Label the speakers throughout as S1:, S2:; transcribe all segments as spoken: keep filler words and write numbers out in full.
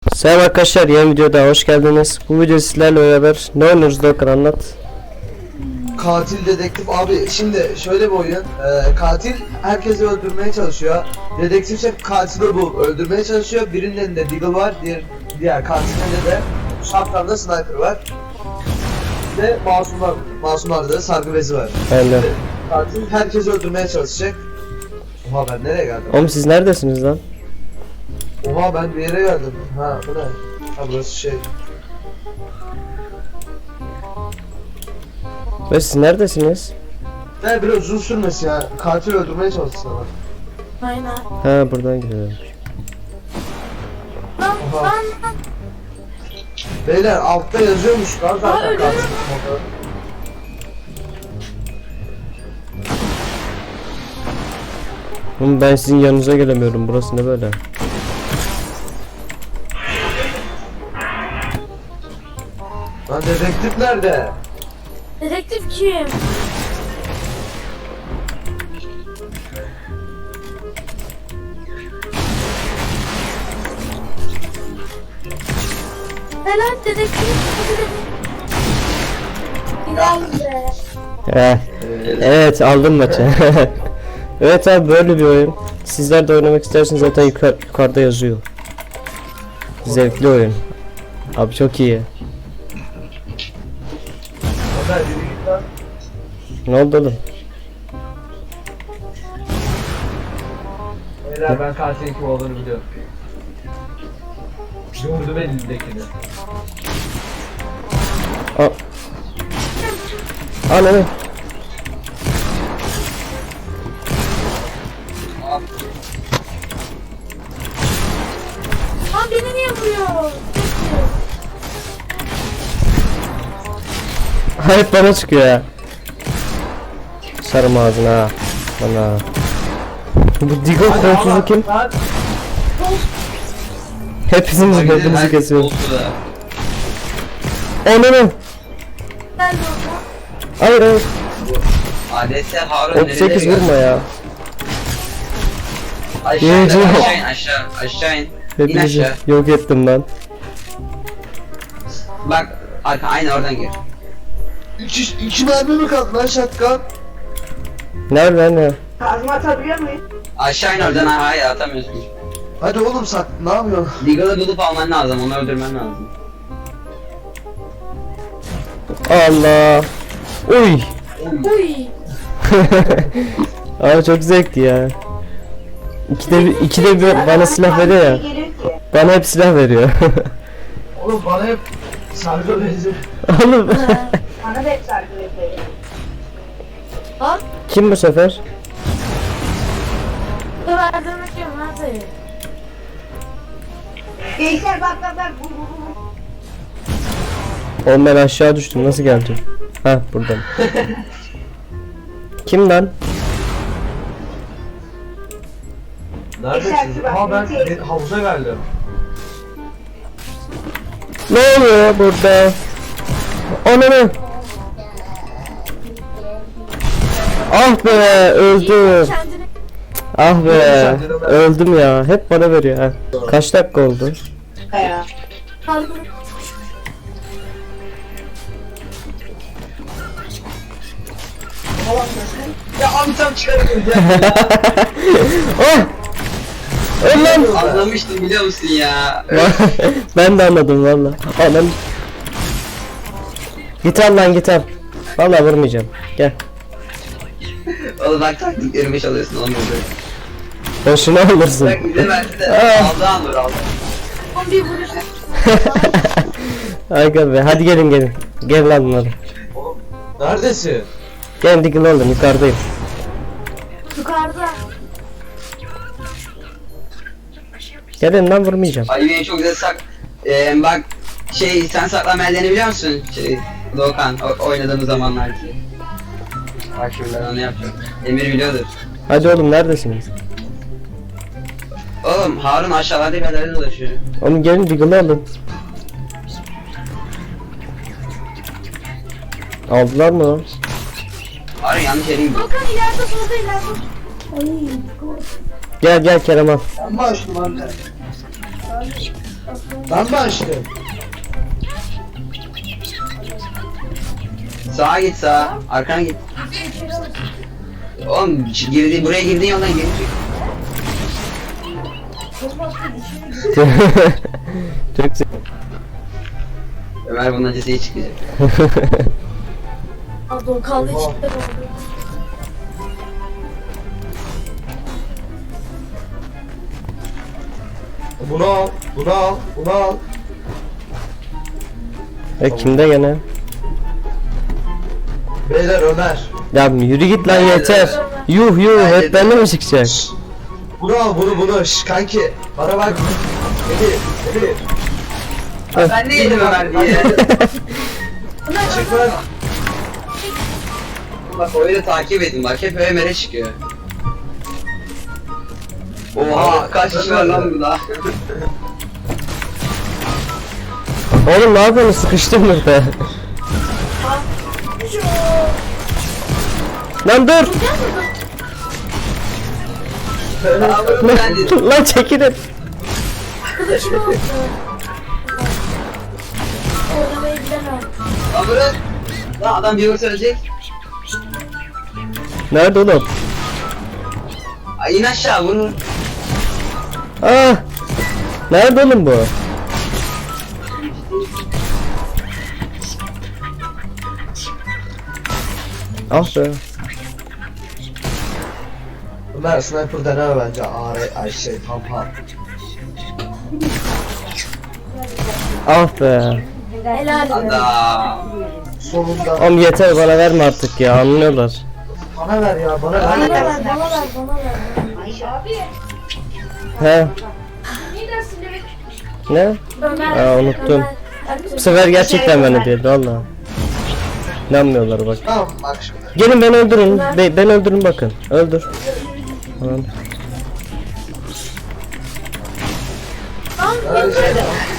S1: Selam arkadaşlar, yeni videoda hoş geldiniz. Bu video sizlerle beraber ne oynuyoruz Doğukan, anlat.
S2: Katil dedektif abi, şimdi şöyle bir oyun. Ee, katil herkesi öldürmeye çalışıyor. Dedektif şef katili bulup öldürmeye çalışıyor. Birinin elinde deagle var, diğer diğer katilin elinde de şapkanda sniper var. Ve masumlar, masumlarda da sargı bezi var.
S1: Aynen.
S2: Katil herkesi öldürmeye çalışacak. Oha, ben nereye geldim?
S1: Oğlum siz neredesiniz lan?
S2: Oha, ben bir yere geldim. Ha, bu ne? Ha, burası şey.
S1: Ve siz neredesiniz?
S2: Ne, biraz uzun sürmesi ya. Katil öldürmeye çalışsın ama.
S3: Aynen.
S1: Ha, buradan gidiyorum.
S3: Lan
S2: Oha.
S3: lan lan.
S2: Beyler, altta yazıyormuş lan
S3: Aa,
S2: zaten
S3: öyle
S2: katil.
S3: mi?
S1: Oğlum ben sizin yanınıza gelemiyorum, burası ne böyle?
S2: Lan dedektif nerede?
S3: Dedektif kim? Helal dedektif. Güzel be.
S1: Eh, evet, aldım maçı. Evet abi, böyle bir oyun. Sizler de oynamak isterseniz zaten yukarı, yukarıda yazıyor. Zevkli oyun. Abi çok iyi.
S2: Ömer, yürü git lan.
S1: Ne oldu oğlum?
S2: Beyler, ben katilin kim olduğunu biliyorum. Gördüm elindekini.
S1: Aa. Ananı.
S3: Lan beni niye vuruyor?
S1: Hep bana çıkıyor ya. Sarım ağzına ha. Bana. Bu Digo korkusu kim?
S2: Lan,
S1: Hepsimiz birbirimizi kesiyoruz. Ananı.
S3: Ben de orada.
S1: Hayır hayır.
S4: Adetse Harun
S1: otuz sekiz vurma ya.
S4: Aşağı in,
S1: Yürüyeceğim.
S4: aşağı in, aşağı, aşağı in. İn
S1: Hepinizi
S4: aşağı.
S1: yok ettim ben.
S4: Bak, arka, aynı oradan gir.
S2: iki, iki mermi mi kaldı lan şatkan?
S1: Nerede ne?
S3: Kazma atabiliyor muyum?
S4: Aşağı in oradan, ha, hayır atamıyorsun.
S2: Hadi oğlum, sak, ne yapıyorsun?
S4: Deagle'ı bulup alman lazım, onu öldürmen lazım.
S1: Allah. Uy.
S3: Uy.
S1: Abi çok zevkli ya. İkide bir, ikide bir bana silah veriyor ya. Bana hep silah veriyor.
S2: Oğlum, bana hep sargı bezi.
S1: Oğlum.
S3: Bana da hep sargı veriyor. Lan.
S1: Kim bu sefer?
S3: Dur öldürmek yok nerede?
S5: Gençler bak bak bak. Bu, bu, bu.
S1: Oğlum ben aşağı düştüm, nasıl geleceğim? Ha, buradan. Kim lan?
S2: Neredesiniz? Aa, ben ben havuza geldim.
S1: Ne oluyor burada? Ananı. Ah be, öldüm.
S3: Kendini.
S1: Ah be, öldüm ya. Hep bana veriyor ha. Kaç dakika oldu?
S3: Sargı.
S2: Ya abi, tam çıkarıyorum ya.
S1: Oh! Öl lan!
S4: Anlamıştım biliyor musun ya?
S1: Ben de anladım valla. Anam. Git al lan, git al. Valla vurmayacağım. Gel.
S4: Oğlum bak, taktik yirmi alıyorsun, onu öldür.
S1: Boşuna alırsın.
S4: Bak bize verdi de,
S1: Ah.
S4: aldı aldı aldı.
S3: On bir vuruş.
S1: Aga be, hadi gelin gelin. Gel lan bunları.
S2: Neredesin?
S1: Gel Diggle oğlum, yukarıdayım.
S3: Yukarıda.
S1: Gelin lan, vurmayacağım.
S4: Ay beni çok güzel sak... Ee, bak, şey, sen saklama ellerini biliyor musun? Şey, Doğukan, o- oynadığımız zamanlar ki. Bak şimdi ben onu yapacağım. Emir biliyordur.
S1: Hadi oğlum, neredesiniz?
S4: Oğlum Harun aşağılarda bir yerlerde dolaşıyor.
S1: Oğlum gelin Diggle'ı alın. Aldılar mı lan?
S4: Harun yanlış yere gidiyor.
S3: Volkan ileride solda ileride. Ay.
S1: Gel gel Kerem al.
S2: Ben başladım anne. Ben mi açtım?
S4: Sağa git sağa. Arkana git. Oğlum şu girdi, buraya girdiğin yoldan geri çık.
S1: Çok güzel.
S4: Ömer bunun acısı iyi çıkacak.
S5: Abi kavga
S2: Oha.
S5: çıktı.
S2: Bunu al, bunu al, bunu al.
S1: E kimde gene?
S2: Beyler Ömer.
S1: Ya yürü git lan yeter. Yuh yuh hep bende mi çıkacak?
S2: Bunu al, bunu bunu. Şş, kanki. Bana bak. Emir, Emir.
S4: Ben de yedim Ömer diye.
S2: Çık lan.
S4: Bak oyunu takip edin bak hep Ömer'e çıkıyor. Oha kaç kişi var lan burada?
S1: Oğlum ne yapıyorsun, sıkıştım burada. Lan dur.
S4: Aa bunu ben dedim.
S1: Lan çekilin.
S5: Arkadaşım oldu. Oynamayı bilemem.
S4: Lan bırak. Lan adam bir vursa ölecek.
S1: Nerede oğlum?
S4: Ay in aşağı vurur.
S1: Ah. Nerede oğlum bu? Ah be.
S2: Ömer sniper deneme bence. A R ay şey pampa.
S1: Ah be.
S5: Helal be.
S4: Adam.
S2: Sonunda.
S1: Oğlum yeter, bana verme artık ya, anlıyorlar.
S2: Bana ver ya, bana
S5: Bana
S2: ver.
S5: ver, bana ver, bana ver.
S3: Ayşe abi.
S1: He
S3: Ne dersin demek?
S1: ne?
S5: Ömer.
S1: Aa, unuttum.
S5: Ömer.
S1: Bu sefer gerçekten bende değil valla. İnanmıyorlar bak.
S2: Tamam bak şimdi.
S1: Gelin beni öldürün. Be ben öldürün bakın. Öldür. Tamam.
S2: Öyle şey.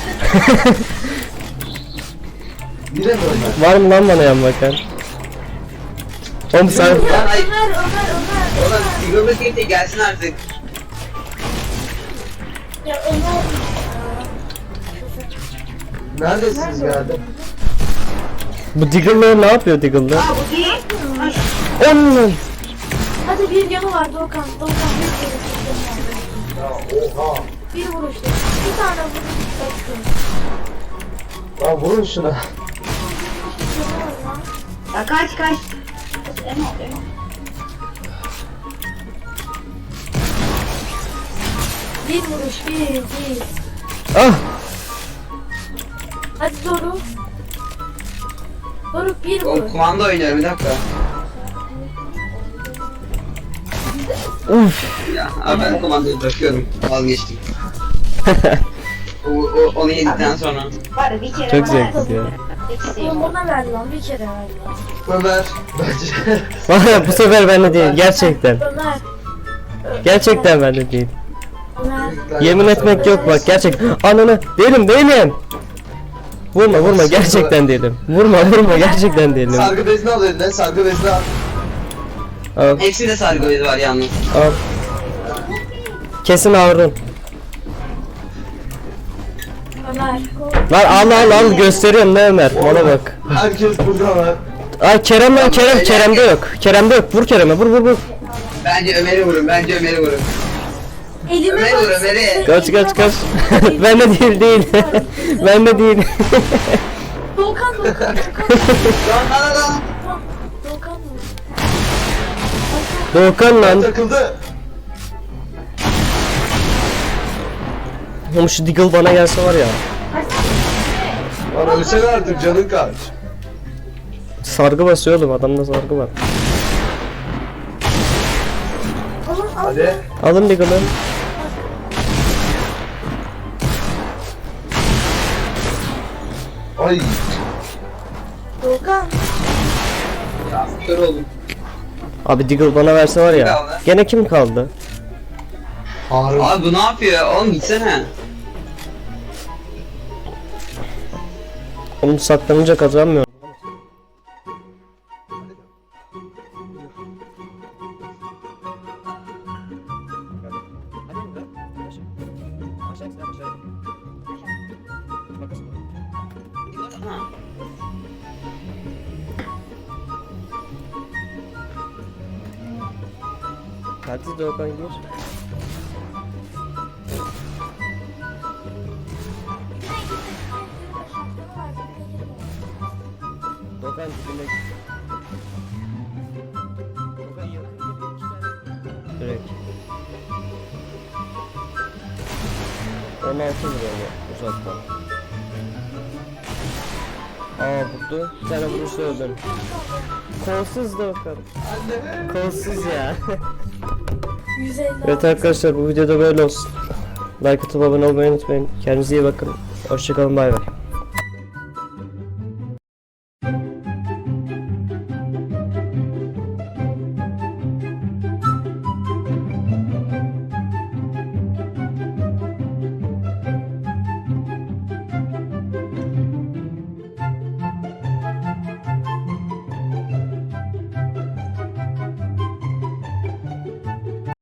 S2: Yine mi Ömer?
S1: Var mı lan bana yan bakan? Oğlum sen...
S4: Lan ay.
S5: Ömer, Ömer, Ömer.
S4: Oğlum Sigurd King'de gelsin artık.
S5: Ya Ömer.
S2: Neredesiniz geldim?
S1: Bu Diggle'lar ne yapıyor Diggle'lar?
S3: Aa bu değil.
S1: Oğlum.
S5: Hadi bir yanı var Doğukan. Doğukan bir kere
S2: Ya oha.
S5: bir vuruştu. Bir tane vuruştu.
S2: Lan vurun şuna.
S3: Ya kaç kaç. Emo emo.
S5: Bir vuruş, bir, bir.
S1: Ah.
S5: Hadi Doruk. Doruk bir
S4: Oğlum
S5: vur.
S4: kumanda oynuyorum bir dakika.
S1: Uf.
S4: Ya abi ben kumandayı bırakıyorum. Vazgeçtim. o, o, onu yedikten sonra.
S3: Var bir kere
S1: Çok
S3: bana-
S1: zevkli ya.
S5: Oğlum ona ver lan, bir kere ver lan.
S2: Ömer. Bence.
S1: Valla bu sefer bende değil gerçekten.
S5: Ömer.
S1: Gerçekten bende değil.
S5: Ömer.
S1: Yemin etmek yok bak, gerçek. Ananı değilim değilim. Vurma vurma, gerçekten değilim. Vurma vurma, gerçekten değilim.
S2: Sargı bezini al eline, sargı bezini al.
S1: Al
S4: Hepsinde sargı bezi var yalnız.
S1: al. Kesin Harun.
S5: Ömer.
S1: Lan al al al, gösteriyorum ne Ömer, bana bak.
S2: Herkes burada var.
S1: Ay Kerem lan, Kerem Kerem'de yok. Kerem'de yok, vur Kerem'e, vur vur vur.
S4: Bence Ömer'i vurun, bence Ömer'i vurun.
S5: Elime
S4: Ömer'i vur
S5: bak.
S4: Ömer'i.
S1: Kaç kaç kaç. Bende değil değil. Bende değil.
S5: Doğukan, Doğukan, Doğukan.
S4: Lan lan lan.
S5: Doğukan mı?
S1: Doğukan lan.
S2: Takıldı.
S1: Oğlum şu Diggle bana gelse var ya.
S2: Lan ölsene artık, canın kaç.
S1: Sargı basıyor oğlum, adamda sargı var.
S5: Oğlum al.
S2: Hadi.
S1: Alın Diggle'ı.
S2: Ay.
S5: Doğukan.
S4: Ya kör oldum.
S1: Abi Diggle bana verse var
S4: Kim
S1: ya.
S4: kaldı?
S1: Gene kim kaldı?
S2: Harun.
S4: Abi bu ne yapıyor? Oğlum gitsene.
S1: Oğlum saklanınca kazanmıyor.
S4: baksana.
S1: Hadi Doğukan gir. Doğukan dibine gir. Doğukan yakın gibi iki tane. Direkt. on altı vuruyor mu uzaktan? Aa vurdu. Bir tane vurursa öldüm. Kolsuz Doğukan. Kolsuz ya.
S5: yüz elli
S1: Evet arkadaşlar bu videoda böyle olsun. Like atıp abone olmayı unutmayın. Kendinize iyi bakın. Hoşçakalın, bay bay.